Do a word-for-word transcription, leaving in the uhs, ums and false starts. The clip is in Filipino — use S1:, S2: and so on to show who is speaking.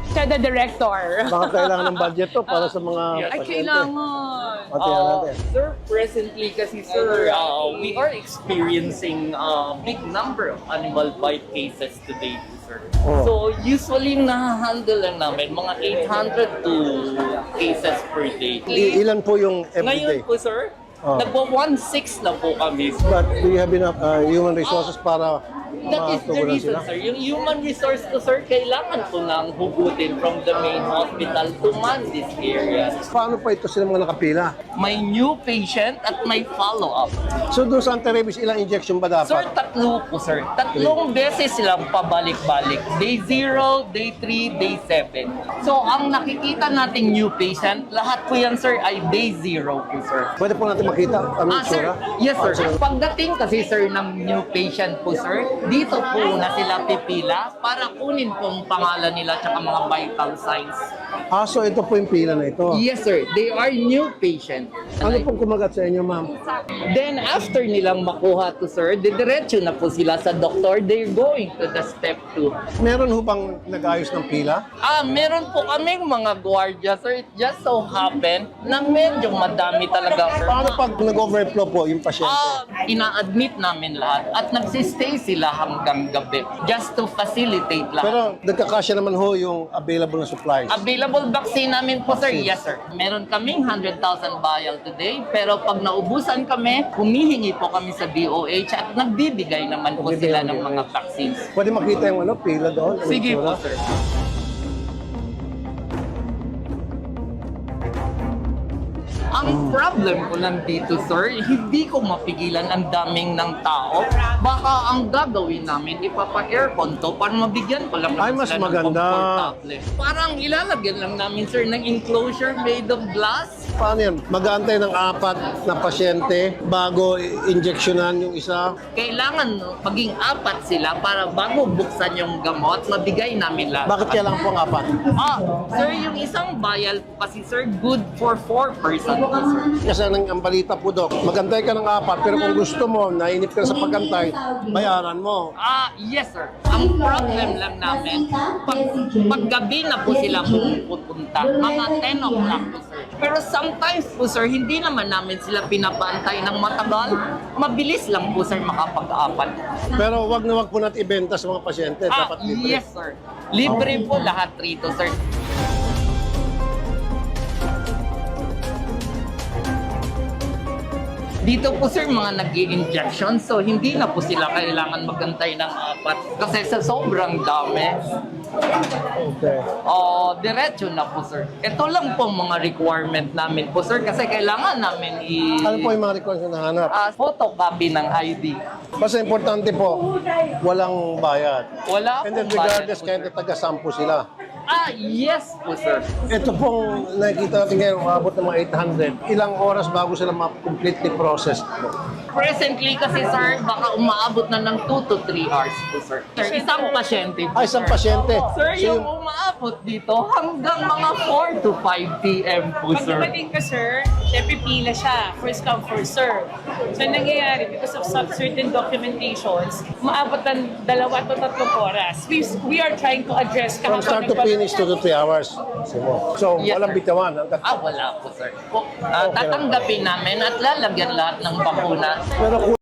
S1: Siya the director.
S2: Baka kailangan ng budget to para sa mga
S1: Ay,
S2: pasyente.
S1: kailangan.
S2: O, tingnan
S3: Uh,
S2: natin.
S3: sir, presently kasi sir, uh, we are experiencing a big number of animal bite cases today, sir.
S2: Oh.
S3: So usually nahahandle lang namin mga eight hundred to cases per day.
S2: I- ilan po yung everyday?
S3: Ngayon po sir,
S2: Oh.
S3: nagwa one six na po kami.
S2: But do you have enough uh, human resources para
S3: That is the
S2: matugunan
S3: reason,
S2: sila?
S3: sir. Yung human resource ko, sir, kailangan po nang hugutin from the main hospital to man this area.
S2: Paano pa ito sila mga nakapila?
S3: May new patient at may follow-up.
S2: So doon sa anti-rabies, ilang injection ba
S3: Sir,
S2: dapat?
S3: tatlo po, sir. Tatlong beses silang pabalik-balik. Day zero, day three, day seven. So, ang nakikita nating new patient, lahat po yan, sir, ay day zero po, sir.
S2: Pwede po natin makita ang
S3: Ah, sir.
S2: itsura?
S3: Yes, sir.
S2: Ah, sige.
S3: Pagdating kasi, sir, ng new patient po, sir, dito po na sila pipila para kunin pong pangalan nila at mga vital signs.
S2: Ah, so ito po yung pila na ito.
S3: Yes, sir. They are new patient.
S2: Ano pong kumagat sa inyo, ma'am?
S3: Then, after nilang makuha to, sir, didiretso na po sila sa doktor. They're going to the step two.
S2: Meron ho bang nag-ayos ng pila?
S3: Ah, meron po kaming mga gwardiya, sir. It just so happen na medyo madami talaga, sir.
S2: Paano pag nag-overflow po yung pasyente?
S3: Ah, ina-admit namin lahat at nagsistay sila hanggang gabi just to facilitate lahat.
S2: Pero nagkakasya naman ho yung available na supplies.
S3: Available vaccine namin po, sir. Yes, sir. Meron kaming one hundred thousand vial today, pero pag naubusan kami, humihingi po kami sa D O H at nagbibigay naman po
S2: Nagbibigay
S3: sila
S2: ng
S3: ng
S2: D O H.
S3: mga vaccines.
S2: Pwede makita yung ano, pila doon? Ang
S3: Sige po,
S2: itsura?
S3: sir. Ang problem ko lang dito, sir, hindi ko mapigilan ang daming ng tao. Baka ang gagawin namin, ipapa-aircon to para mabigyan ko lang
S2: Ay,
S3: naman
S2: mas
S3: sila ng
S2: maganda.
S3: komportable. Parang ilalagyan lang namin, sir, ng enclosure made of glass.
S2: Paano yan? Mag-aantay ng apat na pasyente bago injeksyonan yung isa?
S3: Kailangan no, maging apat sila para bago buksan yung gamot, mabigay namin lahat.
S2: Bakit kailangan po ang apat?
S3: Ah, sir, yung isang vial po kasi, sir, good for four person po, sir.
S2: Kasi ang, ang balita po, Dok, magantay ka ng apat, pero kung gusto mo, nainip ka na sa pagantay, bayaran mo.
S3: Ah, yes, sir. Ang problem lang namin, pag, pag gabi na po sila pupunta, mga ten o'clock po, sir. Pero sometimes po, sir, hindi naman namin sila pinapantay ng matagal. Mabilis lang po, sir, makapag-apat.
S2: Pero wag na wag po natin ibenta sa mga pasyente.
S3: Ah,
S2: Dapat libre.
S3: yes, sir. Libre po lahat rito, sir. Dito po, sir, mga nag injection so hindi na po sila kailangan magantay ng apat. Kasi sa sobrang dami,
S2: Okay.
S3: oh, diretso na po, sir. Ito lang po mga requirement namin po, sir, kasi kailangan namin i-
S2: Ano po yung mga requirements na nahanap?
S3: ah, photocopy ng I D.
S2: Basta importante po, walang bayad.
S3: Wala
S2: And then
S3: pong bayad
S2: regardless,
S3: po,
S2: kahit
S3: sir.
S2: na taga-sampo sila.
S3: Ah, yes po, sir.
S2: Ito pong nakikita natin ngayon, umabot ng mga eight hundred. Ilang oras bago sila ma-completely processed?
S3: Presently kasi, sir, baka umaabot na ng two to three hours po, sir. Sir, isang pasyente po,
S2: Ay, isang
S3: sir.
S2: pasyente.
S3: Sir,
S2: So,
S3: yung umaabot dito hanggang mga four to five p m po,
S1: Pag
S3: sir.
S1: dumating ka, sir, syempre pila siya. First come, first serve. So, ang nangyayari, because of some certain documentations, maabot ng dalawa to tatlong oras. We, we are trying to address
S2: From start to finish, two to three hours. So,
S3: Yes,
S2: walang
S3: sir.
S2: bitawan. Hanggat
S3: Ah, wala po, sir. Po, ah,
S2: Okay lang.
S3: tatanggapin namin at lalagyan lahat ng bakuna.
S2: Pero